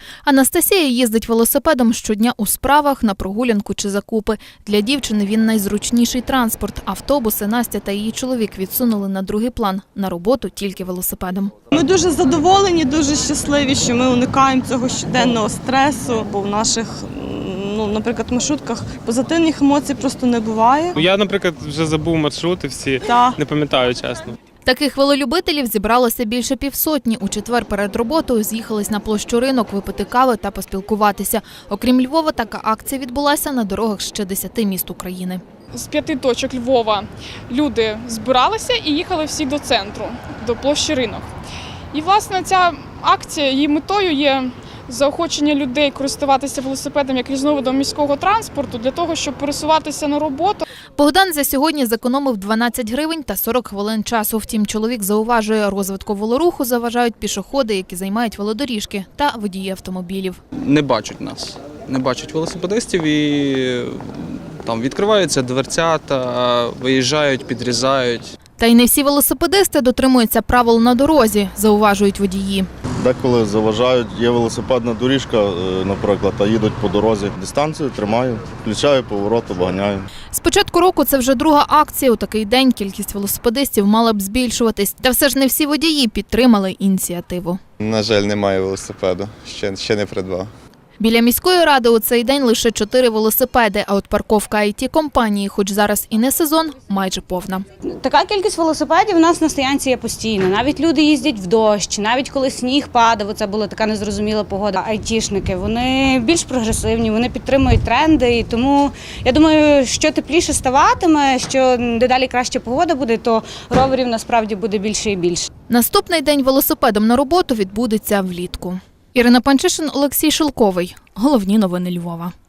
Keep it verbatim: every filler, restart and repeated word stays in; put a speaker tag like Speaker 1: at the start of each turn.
Speaker 1: Анастасія їздить велосипедом щодня у справах, на прогулянку чи закупи. Для дівчини він найзручніший транспорт. Автобуси Настя та її чоловік відсунули на другий план. На роботу тільки велосипедом.
Speaker 2: Ми дуже задоволені, дуже щасливі, що ми уникаємо цього щоденного стресу, бо в наших, ну, наприклад, маршрутках позитивних емоцій просто не буває.
Speaker 3: Я, наприклад, вже забув маршрути всі,
Speaker 2: Та.
Speaker 3: не пам'ятаю, чесно.
Speaker 1: Таких велолюбителів зібралося більше півсотні. У четвер перед роботою з'їхались на площу Ринок випити кави та поспілкуватися. Окрім Львова, така акція відбулася на дорогах ще десяти міст України.
Speaker 4: З п'яти точок Львова люди збиралися і їхали всі до центру, до площі Ринок. І, власне, ця акція, її метою є заохочення людей користуватися велосипедом як різновидом міського транспорту для того, щоб пересуватися на роботу.
Speaker 1: Богдан за сьогодні зекономив дванадцять гривень та сорок хвилин часу. Втім, чоловік зауважує, розвитку велоруху заважають пішоходи, які займають велодоріжки, та водії автомобілів.
Speaker 5: Не бачать нас, не бачать велосипедистів і там відкриваються дверцята, виїжджають, підрізають.
Speaker 1: Та й не всі велосипедисти дотримуються правил на дорозі, зауважують водії.
Speaker 6: Деколи заважають, є велосипедна доріжка, наприклад, а їдуть по дорозі. Дистанцію тримаю, включаю поворот, обганяю.
Speaker 1: З початку року це вже друга акція. У такий день кількість велосипедистів мала б збільшуватись. Та все ж не всі водії підтримали ініціативу.
Speaker 7: На жаль, немає велосипеду, ще, ще не придбав.
Speaker 1: Біля міської ради у цей день лише чотири велосипеди, а от парковка ай ті-компанії, хоч зараз і не сезон, майже повна.
Speaker 8: Така кількість велосипедів у нас на стоянці є постійно. Навіть люди їздять в дощ, навіть коли сніг падав, це була така незрозуміла погода. Айтішники, вони більш прогресивні, вони підтримують тренди, і тому я думаю, що тепліше ставатиме, що дедалі краща погода буде, то роверів насправді буде більше і більше.
Speaker 1: Наступний день велосипедом на роботу відбудеться влітку. Ірина Панчишин, Олексій Шелковий. Головні новини Львова.